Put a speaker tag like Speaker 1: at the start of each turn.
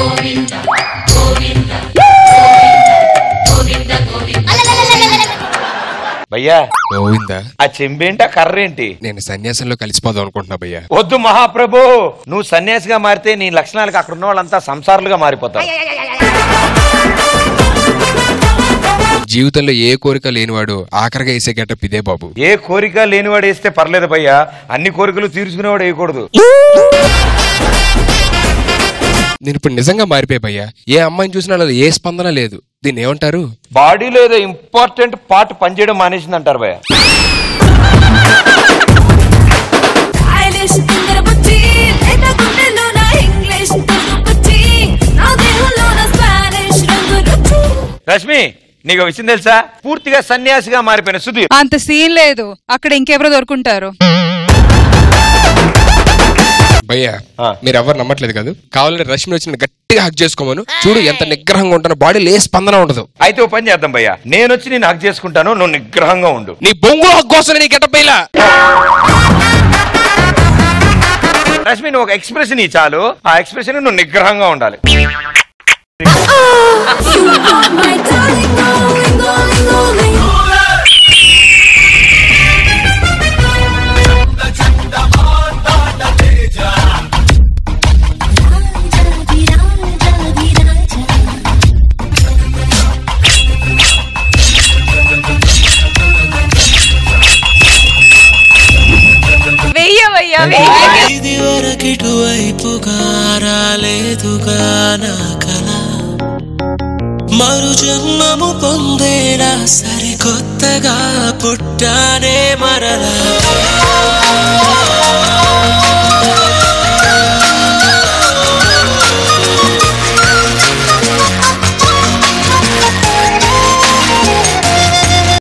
Speaker 1: భయ్యా గోవిందా, ఆ చెంబేంటి ఆ కర్రేంటి?
Speaker 2: నేను సన్యాసంలో కలిసిపోదాం అనుకుంటున్నా భయ్యా.
Speaker 1: వద్దు మహాప్రభు, నువ్వు సన్యాసిగా మారితే నీ లక్షణాలకు అక్కడ ఉన్న వాళ్ళంతా సంసారులుగా మారిపోతారు.
Speaker 2: జీవితంలో ఏ కోరిక లేనివాడు ఆఖరిగా వేసే గెటప్ ఇదే బాబు.
Speaker 1: ఏ కోరిక లేనివాడు వేస్తే పర్లేదు భయ్యా, అన్ని కోరికలు తీర్చుకునేవాడు వేయకూడదు.
Speaker 2: నేను ఇప్పుడు నిజంగా మారిపోయా భయ్యా. ఏ అమ్మాయిని చూసినా ఏ స్పందన లేదు. దీన్ని ఏమంటారు?
Speaker 1: బాడీలో ఏదో ఇంపార్టెంట్ పార్ట్ పనిచేయడం మానేసింది అంటారు భయ్యా. రష్మి, నీకు విషయం తెలుసా? పూర్తిగా సన్యాసిగా మారిపోయిన సుధీర్.
Speaker 3: అంత సీన్ లేదు, అక్కడ ఇంకెవరో దొరుకుంటారు.
Speaker 2: భయ్యా మీరెవరు నమ్మట్లేదు కదా, కావాలంటే రష్మి వచ్చిన గట్టిగా హక్ చేసుకోమను. చూడు ఎంత నిగ్రహంగా ఉంటాను, బాడీలో ఏ స్పందన ఉండదు.
Speaker 1: అయితే ఓ పని చేద్దాం భయ్యా, నేను వచ్చి నేను హక్ చేసుకుంటాను, నువ్వు నిగ్రహంగా ఉండు.
Speaker 2: నీ బొంగు హక్ కోసం నీ గెటప్ ఇలా.
Speaker 1: రష్మి, నువ్వు ఒక ఎక్స్ప్రెషన్ ఇ చాలు, ఆ ఎక్స్ప్రెషన్ నువ్వు నిగ్రహంగా ఉండాలి.
Speaker 4: ఇది వరకిటు వైపుగా రాలేదుగా నా కల, మరు జన్మము పొందేలా సరికొత్తగా పుట్టానే మరలా.